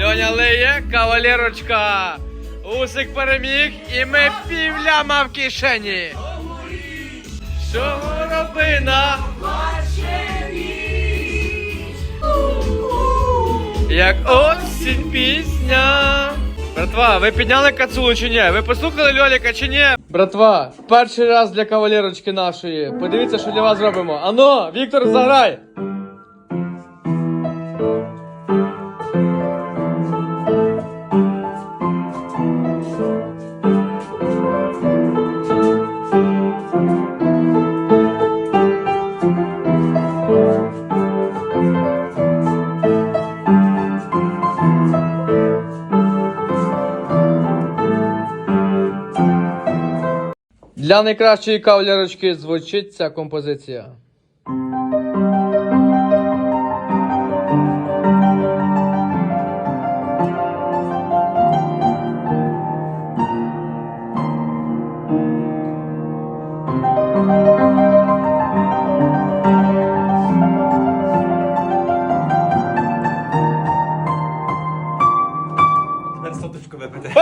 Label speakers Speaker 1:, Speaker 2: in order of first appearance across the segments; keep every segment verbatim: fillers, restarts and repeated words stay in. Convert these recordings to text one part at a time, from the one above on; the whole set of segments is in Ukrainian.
Speaker 1: Льоня лиє, кавалерочка. Усик переміг і ми півляма в кишені. Що горобина? Як осінь пісня. Братва, ви підняли кацулу чи ні? Ви послухали Льоліка чи ні? Братва, перший раз для кавалерочки нашої. Подивіться, що для вас зробимо. Ано, Віктор, заграй! Для найкращої кавалерочки звучить ця композиція.
Speaker 2: Тепер соточку випити.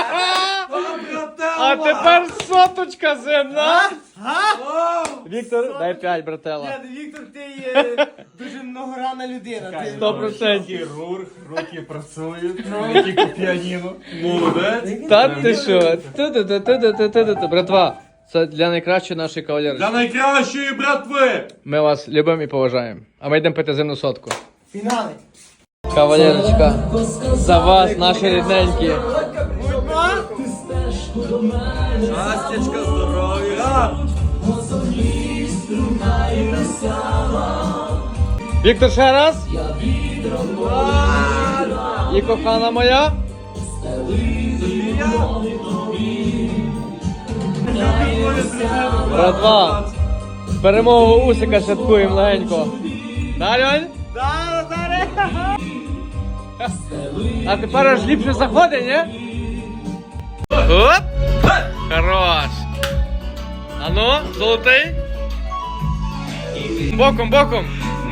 Speaker 1: А тепер соточка земна. Віктор, дай п'ять, братела.
Speaker 3: Віктор, ти є дуже многогранна людина. Ти-
Speaker 1: Сто процентів.
Speaker 2: Хірург, руки працюють, руки по піаніно. Молодець.
Speaker 1: Та ти що? Ту-ту-ту-ту-ту-ту-ту. Братва, це для найкращої нашої кавалерочки.
Speaker 2: Для найкращої братви!
Speaker 1: Ми вас любимо і поважаємо. А ми йдемо пити земну сотку.
Speaker 3: Фінали.
Speaker 1: Кавалерочка, за вас, наші рідненькі.
Speaker 2: Щастячка, здоров'я!
Speaker 1: Віктор, ще раз. І кохана моя. Братва, перемогу Усика святкуємо легенько. Да, Льонь?
Speaker 3: Да, Назаре!
Speaker 1: А тепер аж ліпше заходить, ні? Оп! Хорош! Ану, золотий. Боком, боком.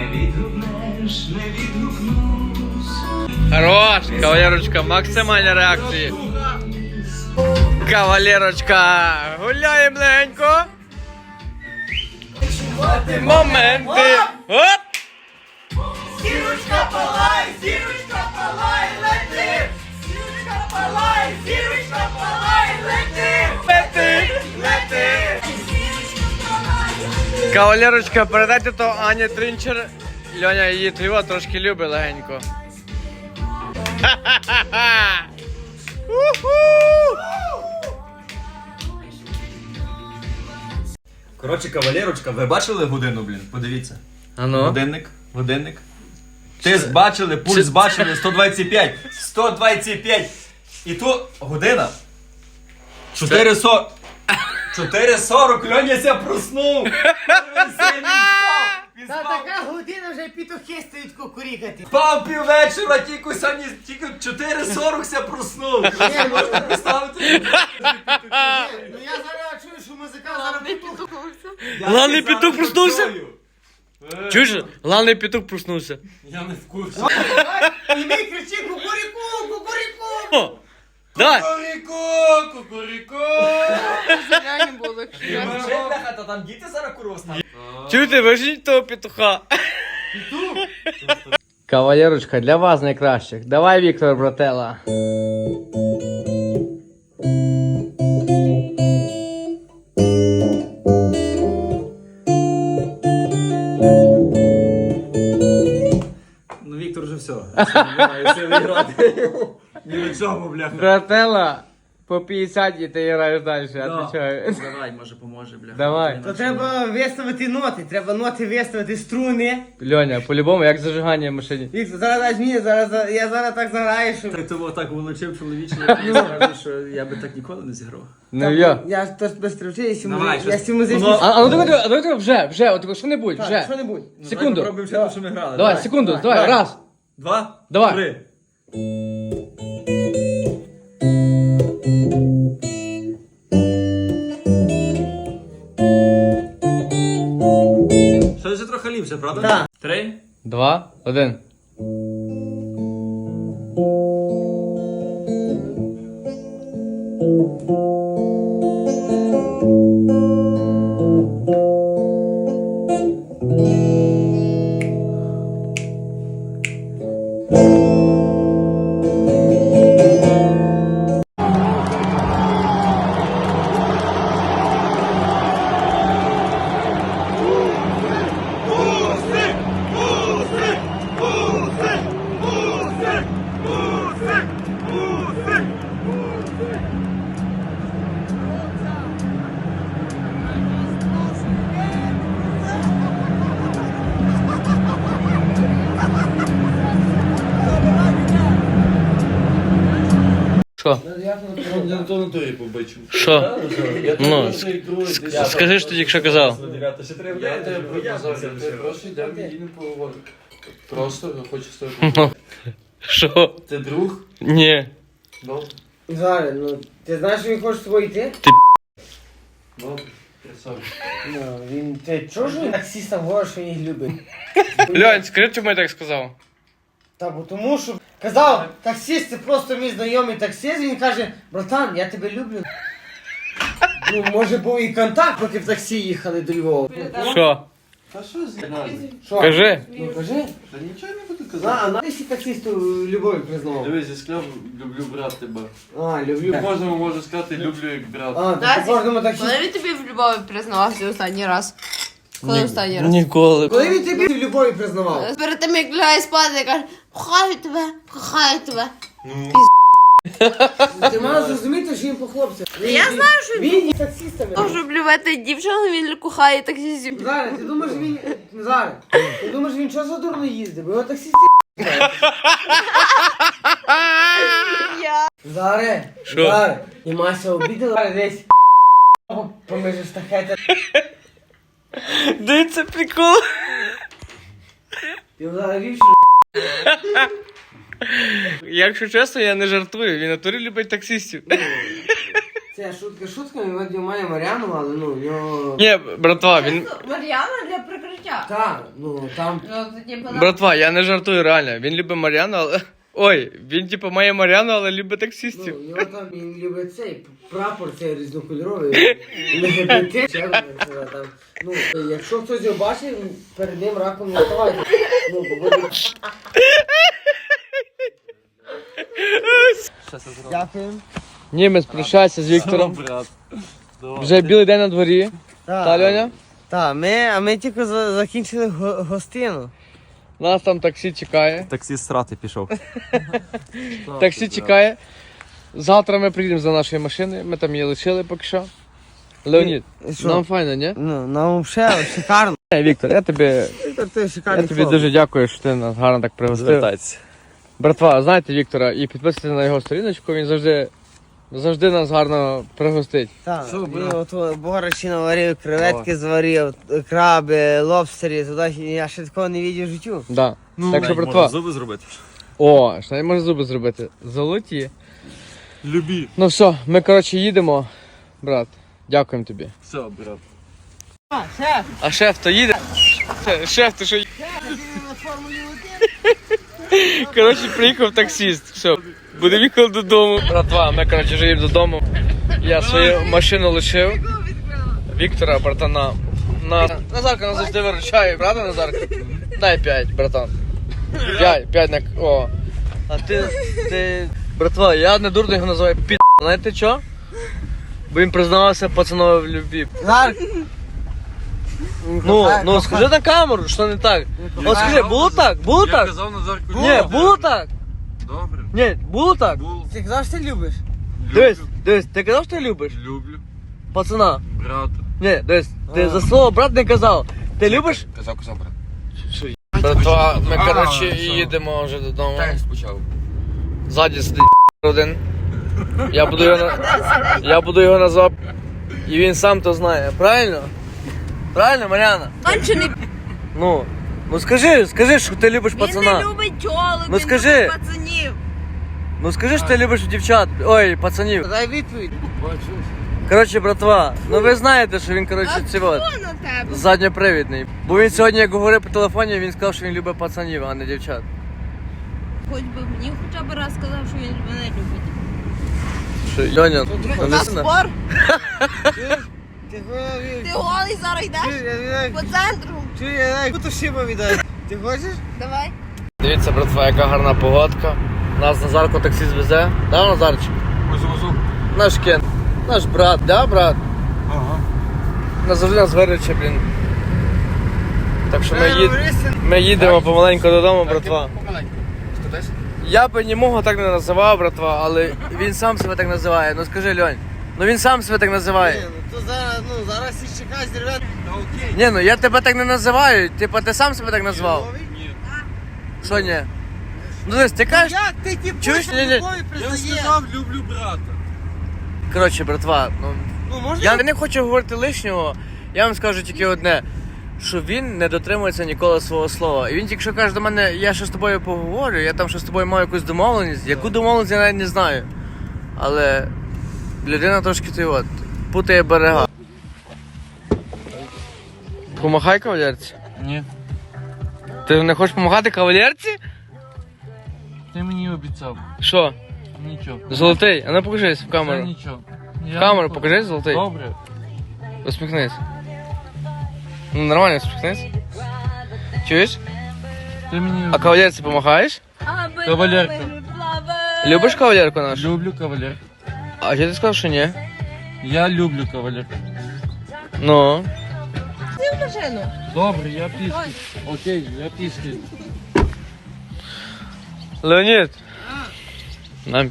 Speaker 1: Хорош! Кавалерочка, максимальні реакції. Кавалерочка, гуляємо легенько. Моменти. Оп!
Speaker 3: Зірочка палай, зірочка палай, лети! Зірочка палай, зірочка палай, лети!
Speaker 1: Лети!
Speaker 3: Лети!
Speaker 1: Кавалерочка, передайте то Ані Тринчер. Льоня її триво трошки любить легенько. Ха-ха-ха!
Speaker 2: Коротше, кавалерочка, ви бачили годину, блін? Подивіться.
Speaker 1: Ану.
Speaker 2: Годинник, годинник. Тиск бачили, пульс бачили, сто двадцять п'ять. сто двадцять п'ять. І то година. чотири сорок. чотири сорок, Льоняся проснув. Він сильно спав. Він
Speaker 3: Та
Speaker 2: спав.
Speaker 3: така година вже пітухи стають кукурікати.
Speaker 2: Спав піввечора, тільки сьогодні, тільки чотири сорок ся проснув. Можете представити?
Speaker 3: Ну я зараз чую, що музикант зараз пітух.
Speaker 1: Главний петух проснувся? Чуєш? Главний петух проснувся.
Speaker 2: Я не в курсі.
Speaker 3: І ми кричи кукуріку, кукуріку.
Speaker 1: О! Давай!
Speaker 2: Кукуріко, кукуріко.
Speaker 3: було.
Speaker 2: Та там діти зараз курва стануть.
Speaker 1: Чуєте, вижіть того петуха. Кавалерочка, для вас найкращих. Давай, Віктор, братела.
Speaker 2: Ну Віктор вже все. Немає сили грати. Ні на чому, бляха.
Speaker 1: Братела, по п'ятдесят і ти граєш далі, отвечаю.
Speaker 2: Давай, може поможе, бляха.
Speaker 1: Давай.
Speaker 3: То треба виставити ноти, треба ноти виставити, струни.
Speaker 1: Льоня, по-любому, як зажигання в машині.
Speaker 3: Віктор, зараз дай мені, зараз, за- я зараз так заграю, що...
Speaker 2: Ти того так волочив чоловіче, я скажу, що я би так ніколи не зіграв.
Speaker 1: Ну я.
Speaker 3: Я ж теж без тривчи, я
Speaker 2: Давай,
Speaker 3: я
Speaker 2: щось.
Speaker 3: сі музичні...
Speaker 2: Воно-
Speaker 1: А, а ну давай, давай, давай, давай, вже, вже, от що-небудь,
Speaker 3: Так,
Speaker 1: вже.
Speaker 3: що-небудь.
Speaker 1: Секунду.
Speaker 2: Пробуємо ще те, що ми грали.
Speaker 1: Давай, секунду, давай,
Speaker 3: давай.
Speaker 1: раз.
Speaker 2: Два.
Speaker 1: Давай.
Speaker 2: Три. Що це трохи ліпше, правда?
Speaker 3: Так.
Speaker 2: Три.
Speaker 1: Два, один. Що?
Speaker 3: Я то на тобі побачив.
Speaker 1: Що? Ну, скажи, що ти тільки що казав.
Speaker 3: Я тебе показав, ти просто йдемо і не поговоримо. Просто хочу з тобою
Speaker 1: Ну,
Speaker 3: поговорити.
Speaker 1: що?
Speaker 3: Ти друг?
Speaker 1: Ні.
Speaker 3: Добре.
Speaker 4: Зараз, ну, ти знаєш, що він хоче з тобою йти?
Speaker 3: Добре. Красавчик.
Speaker 4: Ну, він, ти чого ж він таксістам говорить, що він їх любить?
Speaker 1: Льонь, скажи, чому я так сказав?
Speaker 4: Та, бо тому що, казав, таксист, це просто мій знайомий таксист, він каже, братан, я тебе люблю. Ну, може був і контакт, поки в таксі їхали до Львова.
Speaker 1: Що?
Speaker 3: Та що з нас?
Speaker 4: Що?
Speaker 1: Кажи.
Speaker 4: Ну, кажи.
Speaker 3: Та нічого не буду
Speaker 4: На,
Speaker 3: казати.
Speaker 4: а на ти всі таксисту любові признавав.
Speaker 3: Дивись, я сказав, люблю брат тебе.
Speaker 4: А, люблю.
Speaker 3: Кожному можу сказати, люблю як брат.
Speaker 4: А, ти
Speaker 5: Настя,
Speaker 4: по кожному таксисту.
Speaker 5: Коли він тобі в любові признавався останній раз? Коли останній раз?
Speaker 1: Ніколи.
Speaker 4: Коли він тобі в любові признавав?
Speaker 5: Перед тим, як лягає спати, каже, кохаю тебе, кохаю тебе.
Speaker 4: Ти маєш зрозуміти, що він по хлопцях.
Speaker 5: Я знаю, що
Speaker 4: Він є таксистами.
Speaker 5: Можу блювати дівчину, він кохає таксістів.
Speaker 4: Зараз, ти думаєш, він... Зараз, ти думаєш, він що за дурно їздить? Бо його таксисти...
Speaker 5: Я.
Speaker 4: Зараз,
Speaker 1: Що?
Speaker 4: зараз. І Мася обідала зараз десь поміж штахети.
Speaker 1: Дивіться прикол.
Speaker 4: Ти зараз вів,
Speaker 1: Якщо чесно, я не жартую. Він в натурі любить таксистів.
Speaker 4: це шутка шутками, Вадим має Мар'яну, але ну, в нього...
Speaker 1: Ні, братва, він.
Speaker 5: Мар'яна для прикриття.
Speaker 4: Так, ну, там...
Speaker 5: Ну, це типу, на-
Speaker 1: Братва, я не жартую реально. Він любить Мар'яну, але. Ой, він типу має Мар'яну, але любить
Speaker 4: Ну,
Speaker 1: таксистів.
Speaker 4: в нього там він любить цей прапор, цей різнокольоровий, ЛГБТ, ще одне, там. Ну, якщо хтось його бачить, перед ним раком не вставайте. Ну, бо буде... Дякую.
Speaker 1: Німець прощається з Віктором.
Speaker 3: Брат.
Speaker 1: Вже білий день на дворі. Та, Льоня?
Speaker 4: Так, ми, а ми тільки за- закінчили го- гостину.
Speaker 1: Нас там таксі чекає.
Speaker 2: Таксіст срати пішов.
Speaker 1: Таксі чекає. Завтра ми приїдемо за нашою машиною. Ми там її лишили поки що. Леонід,
Speaker 4: І що?
Speaker 1: нам файно, ні?
Speaker 4: Ну, нам взагалі шикарно.
Speaker 1: Е, Віктор, я тобі,
Speaker 4: Ти
Speaker 1: я
Speaker 4: шикарний
Speaker 1: тобі
Speaker 4: хлопець.
Speaker 1: дуже дякую, що ти нас гарно так пригостив.
Speaker 2: Звертайтеся.
Speaker 1: Братва, знаєте Віктора і підписуйтесь на його сторіночку, він завжди, завжди нас гарно пригостить.
Speaker 4: Так,
Speaker 3: Що,
Speaker 4: він
Speaker 3: брат?
Speaker 4: от борщі наварив, креветки зварив, краби, лобстери, туди я ще такого не бачив в життю.
Speaker 1: Да.
Speaker 3: Ну,
Speaker 1: так що,
Speaker 2: Можна
Speaker 1: братва,
Speaker 2: зуби зробити.
Speaker 1: о, що не може зуби зробити. Золоті.
Speaker 3: Любі.
Speaker 1: Ну все, ми коротше їдемо, брат. Дякуємо тобі.
Speaker 3: Все, брат.
Speaker 1: А шеф то їде? Шеф, ти що їде? Коротше, приїхав таксист. Все, будемо їхати додому. Братва, ми коротше вже їдемо додому. Я свою машину лишив. Віктора, братана. На... Назарка нас завжди виручає, правда, Назарка? Дай п'ять, братан. П'ять, п'ять на... О. А ти, ти... Братва, я не дурно його називаю під... Знаєте що? Бо він признавався пацанові в любві.
Speaker 4: Зараз.
Speaker 1: Ну, ну скажи на камеру, що не так. От скажи, було так? Було
Speaker 3: Я
Speaker 1: так?
Speaker 3: казав Назарку.
Speaker 1: Ні, було так?
Speaker 3: Добре.
Speaker 1: Ні, було так?
Speaker 3: Було.
Speaker 4: Ти казав, що ти любиш?
Speaker 1: Дивись, дивись, ти казав, що ти любиш?
Speaker 3: Люблю.
Speaker 1: Пацана.
Speaker 3: Брата.
Speaker 1: Ні, дивись, ти за слово брат не казав. Ти любиш?
Speaker 3: Казав, казав, брат.
Speaker 1: Братва, ми
Speaker 3: А,
Speaker 1: коротше
Speaker 3: що?
Speaker 1: їдемо вже додому.
Speaker 3: спочатку.
Speaker 1: Ззаді сидить один. Я буду його на... Я буду його назвати. І він сам то знає. Правильно? Правильно, Мар'яна?
Speaker 5: Кончений.
Speaker 1: Ну, ну скажи, скажи, що ти любиш
Speaker 5: Він
Speaker 1: пацана.
Speaker 5: не любить тьолок,
Speaker 1: Ну,
Speaker 5: він
Speaker 1: скажи.
Speaker 5: любить пацанів.
Speaker 1: Ну скажи, що ти любиш дівчат. Ой, пацанів.
Speaker 4: Дай відповідь.
Speaker 1: Коротше, братва, ну ви знаєте, що він, коротше, ці от,
Speaker 5: Хто на тебе?
Speaker 1: задньопривідний. Бо він сьогодні, як говорив по телефоні, він сказав, що він любить пацанів, а не дівчат.
Speaker 5: Хоч би мені хоча б раз сказав, що він мене любить.
Speaker 1: нашої. Льоня,
Speaker 5: У нас
Speaker 1: навесна.
Speaker 5: спор.
Speaker 4: Ти говорив.
Speaker 5: Ти голий зараз йдеш по центру.
Speaker 4: Чуй, я буду шиба віддати. Ти хочеш?
Speaker 5: Давай.
Speaker 1: Дивіться, братва, яка гарна погодка. Нас Назарко таксі звезе. Да, Назарчик? Наш Кен. Наш брат, да, брат?
Speaker 3: Ага.
Speaker 1: Назавжди нас вируче, блін. Так що ми, їд... ми їдемо помаленьку додому, братва. Я би німого так не називав, братва, але він сам себе так називає. Ну скажи, Льонь, ну він сам себе так називає.
Speaker 4: Ну, то зараз, ну, зараз і чекай, дерев'ян.
Speaker 1: Ні, ну я тебе так не називаю, типа ти сам себе так назвав. Що ні? Ну дивись, ти кажеш.
Speaker 4: Як ти ті
Speaker 1: Чуєш? Ні, ні.
Speaker 3: Я сказав, люблю брата.
Speaker 1: Коротше, братва, ну
Speaker 4: Ну, можна?
Speaker 1: я не хочу говорити лишнього, я вам скажу тільки одне, що він не дотримується ніколи свого слова. І він тільки що каже до мене, я ще з тобою поговорю, я там ще з тобою маю якусь домовленість. Яку домовленість я навіть не знаю. Але людина трошки ти от, путає берега. Помахай кавалерці.
Speaker 3: Ні.
Speaker 1: Ти не хочеш допомагати кавалерці?
Speaker 3: Ти мені обіцяв.
Speaker 1: Що?
Speaker 3: Нічого.
Speaker 1: Золотий, а ну покажись в камеру.
Speaker 3: Нічого.
Speaker 1: В камеру покажись, золотий.
Speaker 3: Добре.
Speaker 1: Усміхнись. Ну нормально усміхнись. Чуєш?
Speaker 3: Ти мені
Speaker 1: А кавалерці помахаєш?
Speaker 3: Кавалерка.
Speaker 1: Любиш кавалерку нашу?
Speaker 3: Люблю кавалерку.
Speaker 1: А чи ти сказав, що ні?
Speaker 3: Я люблю кавалерку.
Speaker 1: Ну.
Speaker 5: Машину.
Speaker 3: Добре, я пішки. Окей, я пішки.
Speaker 1: Леонід. Нам.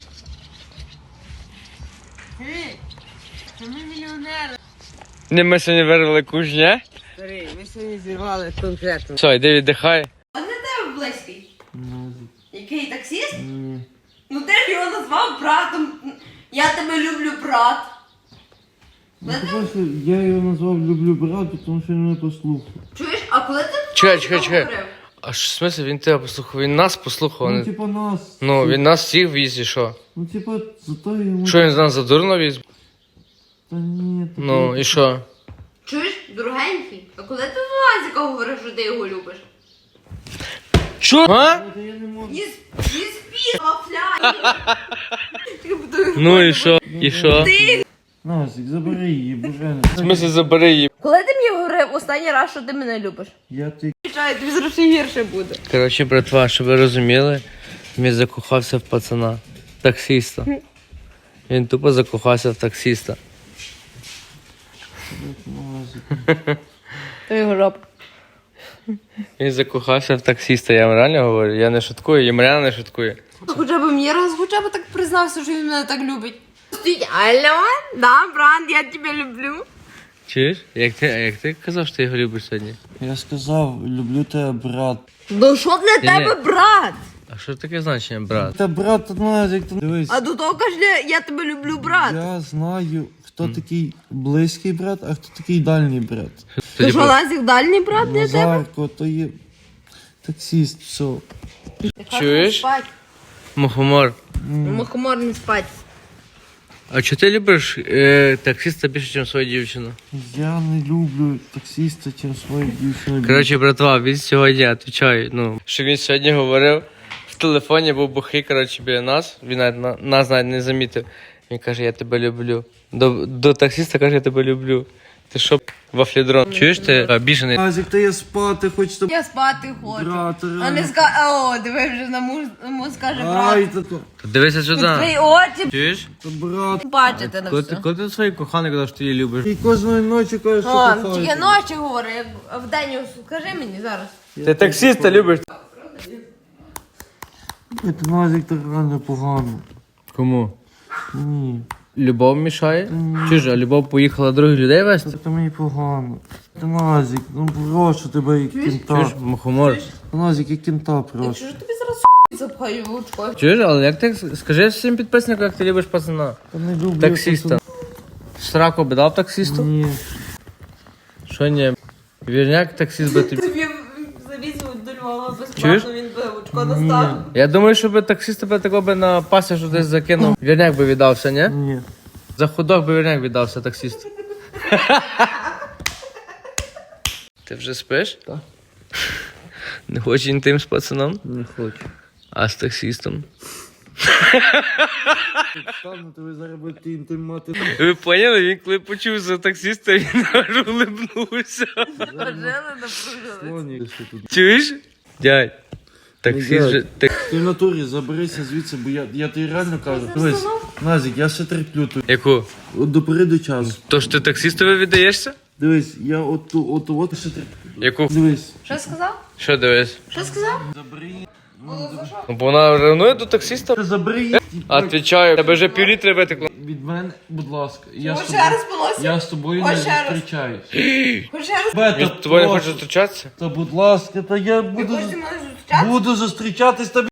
Speaker 4: Ей, це ми мільйонери.
Speaker 1: Не ми сьогодні вирвали куш, ні?
Speaker 4: Старий, ми сьогодні зірвали конкретно.
Speaker 1: Все, йди віддихай.
Speaker 5: А не тебе близький? Який таксіст? Ну ти ж його назвав братом. Я тебе люблю, брат.
Speaker 3: Я його назвав люблю брата, тому що він не послухав.
Speaker 5: Чуєш, а коли ти
Speaker 1: Чекай, чекай, чекай.
Speaker 5: говорив?
Speaker 1: А що в смислі він тебе послухав? Він нас послухав.
Speaker 3: Ну,
Speaker 1: не-
Speaker 3: типа нас.
Speaker 1: Ну, він нас всіх віз і що?
Speaker 3: Ну, типа, зато йому...
Speaker 1: Що він з нас задурно віз?
Speaker 3: Та ні, та
Speaker 1: Ну, і що?
Speaker 5: Чуєш, дорогенький, а коли ти до Назіка говорив, що ти його любиш?
Speaker 1: Що? А?
Speaker 3: Та я не можу.
Speaker 5: Ні спів, вафляй.
Speaker 1: Ну і що? І що?
Speaker 5: Ти.
Speaker 3: Назик, забери її, боже.
Speaker 1: В смислі забери її.
Speaker 5: Коли ти мені говорив останній раз, що ти мене любиш?
Speaker 3: Я ти...
Speaker 5: Чай, тобі зараз ще гірше буде.
Speaker 1: Коротше, братва, щоб ви розуміли, він закохався в пацана, таксиста. Він тупо закохався в таксиста.
Speaker 5: То його жопа.
Speaker 1: Він закохався в таксиста, я вам реально говорю, я не шуткую, і Мар'яна не шуткує.
Speaker 5: Хоча б мені раз, хоча б так признався, що він мене так любить. Стоїть, алло, да, брат, я тебе люблю.
Speaker 1: Чуєш? Як ти, а як ти казав, що ти його любиш сьогодні?
Speaker 3: Я сказав, люблю тебе, брат.
Speaker 5: Ну що для
Speaker 1: Ні.
Speaker 5: тебе, брат?
Speaker 1: А що таке значення, брат?
Speaker 3: Та брат, Назик, ти дивись.
Speaker 5: А до того каже, я тебе люблю, брат.
Speaker 3: Я знаю, хто такий близький брат, а хто такий дальній брат.
Speaker 5: Ти що, Лазік, дальній брат для тебе?
Speaker 3: Назарко, то є таксист, все.
Speaker 1: Чуєш?
Speaker 5: Спать.
Speaker 1: Мухомор.
Speaker 5: Мухомор не спать.
Speaker 1: А чи ти любиш е, таксиста більше, ніж свою дівчину?
Speaker 3: Я не люблю таксиста, чим свою дівчину.
Speaker 1: Коротше, братва, він сьогодні, отвечаю, ну, що він сьогодні говорив, в телефоні був бухий, коротше, біля нас, він навіть, на- нас навіть не замітив. Він каже, я тебе люблю. До, до таксиста каже, я тебе люблю. Ти що, вафлідрон? Чуєш, ти обіжений?
Speaker 3: Назик, та я спати хочу, щоб...
Speaker 5: Я спати хочу.
Speaker 3: Брат,
Speaker 5: А не ска... О, диви, вже на муж, муж скаже,
Speaker 3: Ай,
Speaker 5: брат.
Speaker 3: та то...
Speaker 1: Дивися сюди.
Speaker 5: Твої очі
Speaker 1: Чуєш?
Speaker 3: Та брат.
Speaker 5: бачите на
Speaker 1: Коли ти,
Speaker 5: все.
Speaker 1: коли ти своїй коханий казав, що ти її любиш?
Speaker 3: І кожної ночі кажеш, що
Speaker 5: О,
Speaker 3: кохаєш.
Speaker 5: тільки ночі говори, як вдень скажи мені зараз.
Speaker 1: Ти таксиста любиш?
Speaker 3: Це Назик так реально погано.
Speaker 1: Кому?
Speaker 3: Ні,
Speaker 1: Любов мішає? Чи ж, а Любов поїхала других людей вести?
Speaker 3: це мені погано. Та Назик, ну прошу тебе, як
Speaker 1: Чуєш,
Speaker 3: кінта.
Speaker 1: мухомор?
Speaker 3: Та Назик, як кінта прошу.
Speaker 5: Що ж тобі зараз запхаю в очко?
Speaker 1: Чуєш, але як ти, скажи всім підписникам, як ти любиш пацана?
Speaker 3: Та не люблю.
Speaker 1: Таксиста. Сраку би дав таксисту?
Speaker 3: Ні.
Speaker 1: Що ні? Вірняк таксист би тобі.
Speaker 5: Тобі завізуть до Львова
Speaker 1: Чуєш?
Speaker 5: безплатно, він би очко достав.
Speaker 1: Я думаю, що би таксист тебе такого би на пасіжу десь закинув. Вірняк би віддався, ні?
Speaker 3: Ні.
Speaker 1: За худок би вірняк віддався таксисту. Ти вже спиш?
Speaker 3: Так.
Speaker 1: Не хочеш інтим з пацаном?
Speaker 3: Не хочу.
Speaker 1: А з таксистом?
Speaker 3: Стану, то ви зараз будете інтимати.
Speaker 1: Ви поняли? Він коли почув за таксиста, він аж улибнувся.
Speaker 3: Слоні, що тут.
Speaker 1: Чуєш? Дядь, таксист же... так-
Speaker 3: Ти в натурі заберися звідси, бо я, я тобі реально кажу. Дивись, Назік, я ще терплю тут.
Speaker 1: Яку?
Speaker 3: От до переду часу.
Speaker 1: То ж ти таксистові віддаєшся?
Speaker 3: Дивись, я от ту, от, ту, от ще терплю.
Speaker 1: Яку?
Speaker 3: Дивись.
Speaker 5: Що сказав?
Speaker 1: Що дивись?
Speaker 5: Що сказав?
Speaker 3: Забери.
Speaker 1: Ну, бо вона ревнує до таксиста.
Speaker 3: Ти забери.
Speaker 1: Отвічаю, тебе вже півлітри витекло.
Speaker 3: Від мене, будь ласка. Я з
Speaker 5: Хоч
Speaker 3: тобою,
Speaker 5: ще раз поносив?
Speaker 3: я з тобою не
Speaker 5: Хоч ще раз?
Speaker 3: зустрічаюсь.
Speaker 5: Хоч ще раз.
Speaker 3: Бета,
Speaker 1: Він з тобою не
Speaker 3: прошу.
Speaker 1: хоче зустрічатися?
Speaker 3: Та будь ласка, та я
Speaker 5: Ви
Speaker 3: буду,
Speaker 5: хочете мене зустрічати?
Speaker 3: буду зустрічатись тобі.